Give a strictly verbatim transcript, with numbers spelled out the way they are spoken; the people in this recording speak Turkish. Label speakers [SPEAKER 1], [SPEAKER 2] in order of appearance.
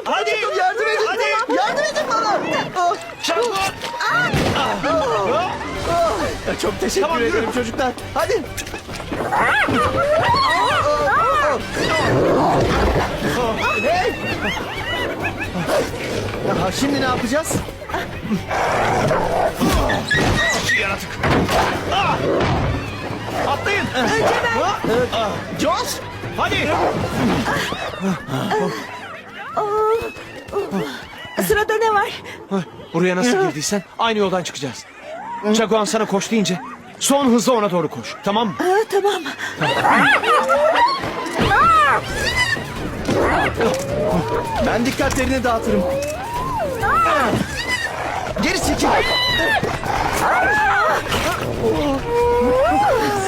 [SPEAKER 1] Hadi.
[SPEAKER 2] Yardım edin.
[SPEAKER 1] Hadi.
[SPEAKER 2] Yardım edin bana. Ah,
[SPEAKER 1] Şangun.
[SPEAKER 2] ah, Çok teşekkür
[SPEAKER 1] Tamam, yürü.
[SPEAKER 2] ederim çocuklar. Hadi. Hey. Aha, şimdi ne yapacağız?
[SPEAKER 1] Yaratık. Ah! Atlayın.
[SPEAKER 3] Önce ben.
[SPEAKER 2] Josh.
[SPEAKER 1] Hadi.
[SPEAKER 3] Sırada ne var?
[SPEAKER 1] Buraya nasıl girdiysen aynı yoldan çıkacağız. Çaguan sana koş deyince son hızla ona doğru koş. Tamam mı?
[SPEAKER 3] Aa, tamam.
[SPEAKER 2] Ben dikkatlerini dağıtırım. Geri çekil.